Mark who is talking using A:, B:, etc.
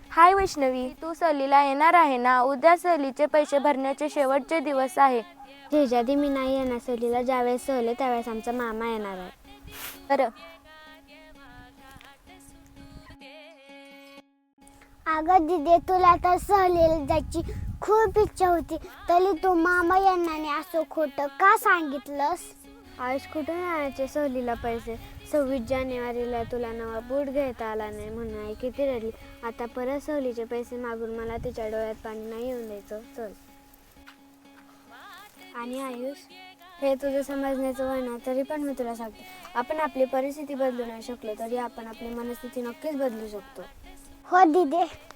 A: हाय वैष्णवी, तू सहलीला येणार आहे ना? उद्या सहलीचे पैसे भरण्याचे शेवटचे दिवस आहे.
B: जेजादी मी नाही येणार सहलीला. ज्यावेळेस सहल आहे त्यावेळेस आमचा मामा येणार आहे.
A: बरं.
B: अगं दिदे, तुला तर सहलीला जायची खूप इच्छा होती, तरी तू मामा यांना असं खोटं का सांगितलंस? आयुष, कुठून आणायचे सहलीला पैसे? 26 जानेवारीला तुला नवा बूट घेता आला नाही म्हणून आई किती रडली. आता परत सहलीचे पैसे मागून मला तिच्या डोळ्यात पाणी नाही येऊन द्यायचं. चल. आणि आयुष, हे तुझं समजण्याचं वय ना, तरी पण मी तुला सांगते, आपण आपली परिस्थिती बदलू नाही शकलो तरी आपण आपली मनस्थिती नक्कीच बदलू शकतो. हो दिदे.